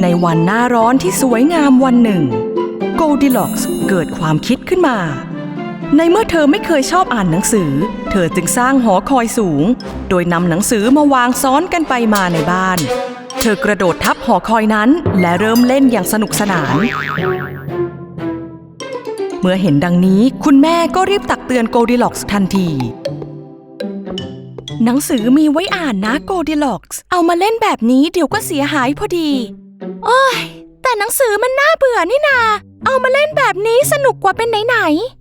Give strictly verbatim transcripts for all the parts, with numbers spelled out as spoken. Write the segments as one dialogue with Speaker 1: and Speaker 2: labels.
Speaker 1: วันหน้าร้อนที่สวยงามวันหนึ่งโกลดิล็อกส์เกิดความคิดขึ้นมาในเมื่อเธอไม่เคยชอบอ่านหนังสือเธอจึงสร้างหอคอยสูงโดยนำหนังสือมาวางซ้อนกันไปมาในบ้านเธอกระโดดทับหอคอยนั้นและเริ่มเล่นอย่างสนุกสนานเมื่อเห็นดังนี้คุณแม่ก็รีบตักเตือนโกลดิล็อกส์ทันทีหนังสือมีไว้อ่านนะโกลดิล็อกส์เอามาเล่นแบบนี้เดี๋ยวก็เสียหายพอดีโอ้ยแต่หนังสือมันน่าเบื่อนี่นาเอามาเล่นแบบนี้สนุกกว่าเป็นไหน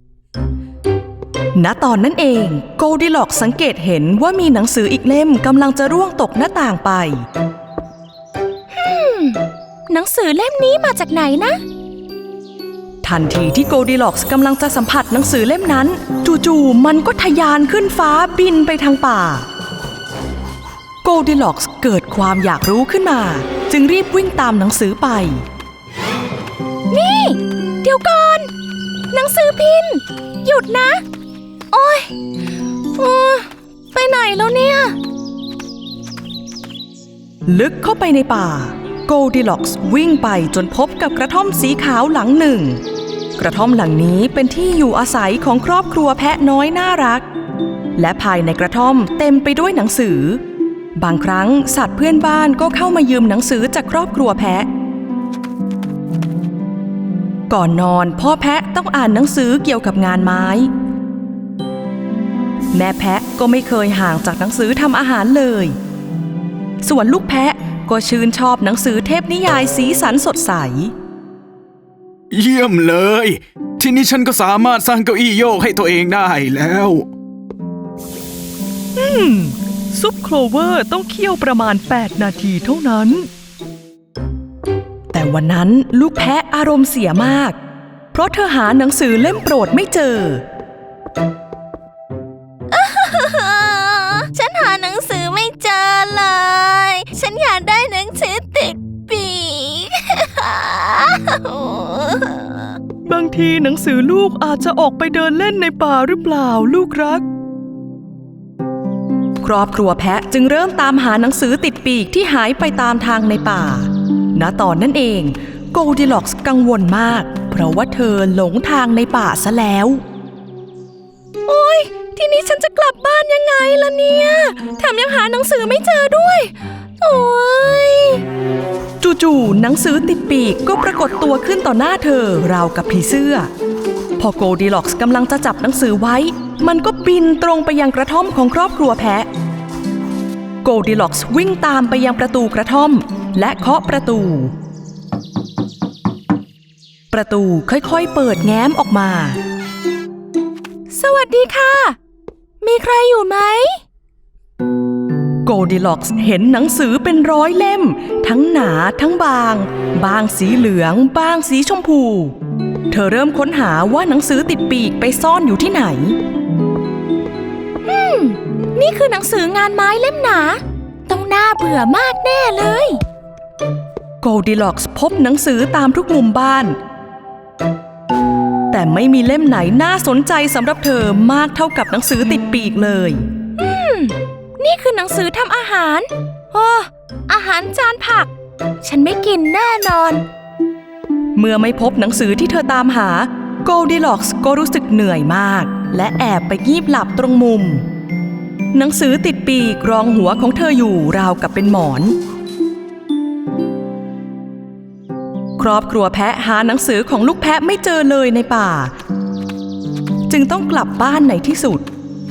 Speaker 1: ๆณตอนนั้นเองโกลดิล็อกส์สังเกตเห็นว่ามีหนังสืออีกเล่มกำลังจะร่วงตกหน้าต่างไปฮึมหนังสือเล่มนี้มาจากไหนนะทันทีที่โกลดิล็อกส์กำลังจะสัมผัสหนังสือเล่มนั้นจู่ๆมันก็ทะยานขึ้นฟ้าบินไปทางป่าโกลดิล็อกส์เกิดความอยากรู้ขึ้นมาจึงรีบวิ่งตามหนังสือไปนี่เดี๋ยวก่อนหนังสือพิมพ์หยุดนะโอ๊ยโอ้ไปไหนแล้วเนี่ยลึกเข้าไปในป่าโกลดิล็อกส์วิ่งไปจนพบกับกระท่อมสีขาวหลังหนึ่งกระท่อมหลังนี้เป็นที่อยู่อาศัยของครอบครัวแพะน้อยน่ารักและภายในกระท่อมเต็มไปด้วยหนังสือบางครั้งสัตว์เพื่อนบ้านก็เข้ามายืมหนังสือจากครอบครัวแพะก่อนนอนพ่อแพะต้องอ่านหนังสือเกี่ยวกับงานไม้แม่แพะก็ไม่เคยห่างจากหนังสือทำอาหารเลยส่วนลูกแพะก็ชื่นชอบหนังสือเทพนิยายสีสันสดใส
Speaker 2: เยี่ยมเลยทีนี้ฉันก็สามารถสร้างเก้าอี้โยกให้ตัวเองได้แล้ว
Speaker 1: อืมซุปโคลเวอร์ต้องเคี่ยวประมาณแปดนาทีเท่านั้นแต่วันนั้นลูกแพะอารมณ์เสียมากเพราะเธอหาหนังสือเล่มโปรดไม่เจอ
Speaker 3: ฉันหาหนังสือไม่เจอเลยฉันอยากได้หนังสือติดปีก
Speaker 1: บางทีหนังสือลูกอาจจะออกไปเดินเล่นในป่าหรือเปล่าลูกรักครอบครัวแพะจึงเริ่มตามหาหนังสือติดปีกที่หายไปตามทางในป่าณตอนนั้นเองโกลดิล็อกส์กังวลมากเพราะว่าเธอหลงทางในป่าซะแล้วโอ๊ยทีนี้ฉันจะกลับบ้านยังไงล่ะเนี่ยแถมยังหาหนังสือไม่เจอด้วยโอ๊ยจู่ๆหนังสือติดปีกก็ปรากฏตัวขึ้นต่อหน้าเธอราวกับผีเสื้อพอโกลดิล็อกส์กำลังจะจับหนังสือไว้มันก็บินตรงไปยังกระท่อมของครอบครัวแพะโกลดิล็อกส์วิ่งตามไปยังประตูกระท่อมและเคาะประตูประตูค่อยๆเปิดแง้มออกมาสวัสดีค่ะมีใครอยู่ไหมโกลดิล็อกส์เห็นหนังสือเป็นร้อยเล่มทั้งหนาทั้งบางบางสีเหลืองบางสีชมพูเธอเริ่มค้นหาว่าหนังสือติดปีกไปซ่อนอยู่ที่ไหนอืมนี่คือหนังสืองานไม้เล่มหนาต้องน่าเบื่อมากแน่เลยโกลดิล็อกส์พบหนังสือตามทุกมุมบ้านแต่ไม่มีเล่มไหนน่าสนใจสำหรับเธอมากเท่ากับหนังสือติดปีกเลยอืมนี่คือหนังสือทำอาหารโอ้อาหารจานผักฉันไม่กินแน่นอนเมื่อไม่พบหนังสือที่เธอตามหาโกลดิล็อกส์ก็รู้สึกเหนื่อยมากและแอบไปงีบหลับตรงมุมหนังสือติดปีกรองหัวของเธออยู่ราวกับเป็นหมอนครอบครัวแพะหาหนังสือของลูกแพะไม่เจอเลยในป่าจึงต้องกลับบ้านในที่สุด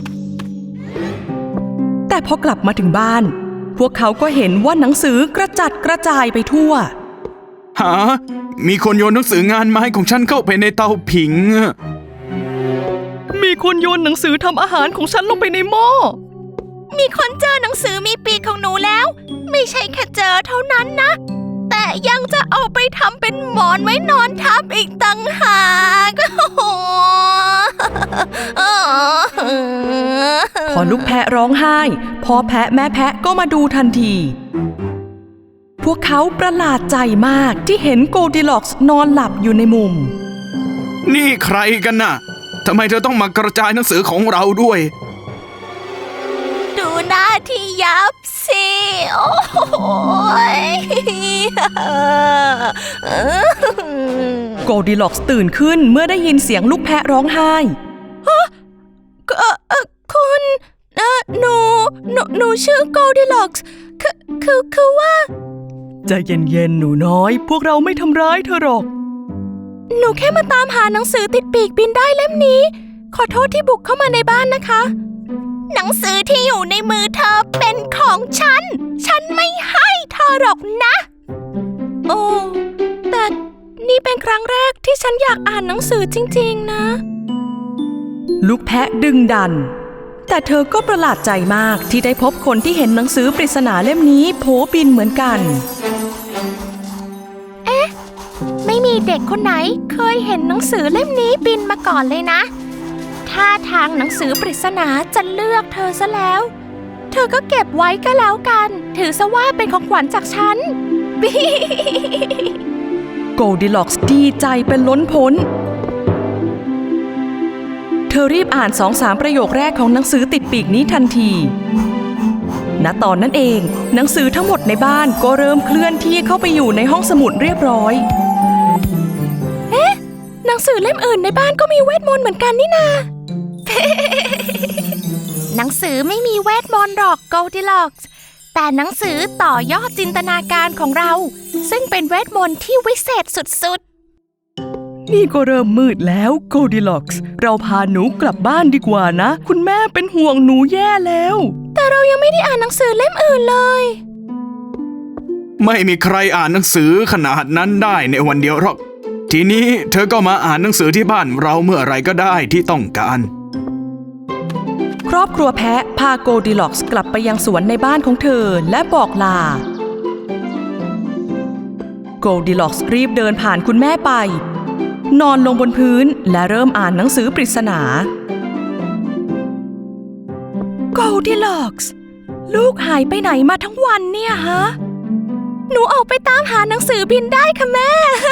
Speaker 1: แต่พอกลับมาถึงบ้านพวกเขาก็เห็นว่าหนังสือกระจัดกระจายไปทั่ว
Speaker 2: หามีคนโยนหนังสืองานไม้ของฉันเข้าไปในเตาผิง
Speaker 1: มีคนโยนหนังสือทำอาหารของฉันลงไปในหม้อ
Speaker 3: มีคนเจอหนังสือมีปีกของหนูแล้วไม่ใช่แค่เจอเท่านั้นนะแต่ยังจะเอาไปทำเป็นหมอนไว้นอนทับอีกต่างหาก
Speaker 1: พอลูกแพะร้องไห้พ่อแพะแม่แพะก็มาดูทันทีพวกเขาประหลาดใจมากที่เห็นโกลดิล็อกส์นอนหลับอยู่ในมุม
Speaker 2: นี่ใครกันน่ะทำไมเธอต้องมากระจายหนังสือของเราด้วย
Speaker 3: ดูหน้าที่ยับสิโอ้ย
Speaker 1: โกลดิล็อกส์ตื่นขึ้นเมื่อได้ยินเสียงลูกแพะร้องไห้
Speaker 3: เอ่อเอ่อคุณเอ่อหนูหนูหนูชื่อโกลดิล็อกส์คือคือคือว่า
Speaker 1: ใจเย็นๆหนูน้อย พวกเราไม่ทำร้ายเธอหรอก
Speaker 3: หนูแค่มาตามหาหนังสือติดปีกบินได้เล่มนี้ ขอโทษที่บุกเข้ามาในบ้านนะคะ หนังสือที่อยู่ในมือเธอเป็นของฉัน ฉันไม่ให้เธอหรอกนะ โอ้แต่นี่เป็นครั้งแรกที่ฉันอยากอ่านหนังสือจริงๆนะ
Speaker 1: ลูกแพะดึงดัน แต่เธอก็ประหลาดใจมากที่ได้พบคนที่เห็นหนังสือปริศนาเล่มนี้โผบินเหมือนกัน
Speaker 3: ไม่มีเด็กคนไหนเคยเห็นหนังสือเล่มนี้บินมาก่อนเลยนะท่าทางหนังสือปริศนาจะเลือกเธอซะแล้ว เธอก็เก็บไว้ก็แล้วกัน ถือซะว่าเป็นของขวัญจากฉัน
Speaker 1: โกลดิล็อกส์ดีใจเป็นล้นพ้น เธอรีบอ่านสองสามประโยคแรกของหนังสือติดปีกนี้ทันที ณ ตอนนั้นเองหนังสือทั้งหมดในบ้านก็เริ่มเคลื่อนที่เข้าไปอยู่ในห้องสมุดเรียบร้อย
Speaker 3: เอ๊ะ หนังสือเล่มอื่นในบ้านก็มีเวทมนต์เหมือนกันนี่นา หนังสือไม่มีเวทมนต์หรอกโกลดิล็อกส์แต่หนังสือต่อยอดจินตนาการของเรา ซึ่งเป็นเวทมนต์ที่วิเศษสุดๆ
Speaker 1: นี่ก็เริ่มมืดแล้วโกลดิล็อกส์เราพาหนูกลับบ้านดีกว่านะ คุณแม่เป็นห่วงหนูแย่แล้ว
Speaker 3: แต่เรายังไม่ได้อ่านหนังสือเล่มอื่นเลย
Speaker 2: ไม่มีใครอ่านหนังสือขนาดนั้นได้ในวันเดียวหรอก ทีนี้เธอก็มาอ่านหนังสือที่บ้านเราเมื่อไรก็ได้ที่ต้องการ
Speaker 1: ครอบครัวแพะพาโกลดิล็อกส์กลับไปยังสวนในบ้านของเธอและบอกลา โกลดิล็อกส์รีบเดินผ่านคุณแม่ไป นอนลงบนพื้นและเริ่มอ่านหนังสือปริศนา โกลดิล็อกส์ลูกหายไปไหนมาทั้งวันเนี่ยฮะ
Speaker 3: หนูออกไปตามหาหนังสือบินได้ค่ะแม่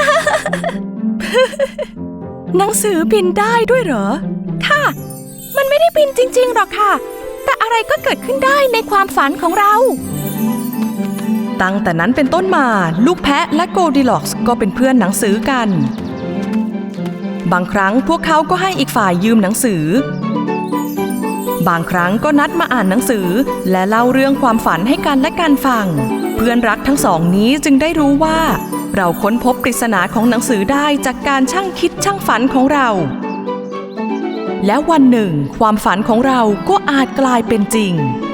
Speaker 1: หนังสือบินได้ด้วยเหรอ
Speaker 3: ค่ะ มันไม่ได้บินจริงๆหรอกค่ะ แต่อะไรก็เกิดขึ้นได้ในความฝันของเรา
Speaker 1: ตั้งแต่นั้นเป็นต้นมาลูกแพะและโกลดิล็อกส์ก็เป็นเพื่อนหนังสือกัน บางครั้งพวกเขาก็ให้อีกฝ่ายยืมหนังสือ บางครั้งก็นัดมาอ่านหนังสือและเล่าเรื่องความฝันให้กันและกันฟัง เพื่อนรักทั้งสองนี้จึงได้รู้ว่าเราค้นพบปริศนาของหนังสือได้จากการช่างคิดช่างฝันของเรา และวันหนึ่งความฝันของเราก็อาจกลายเป็นจริง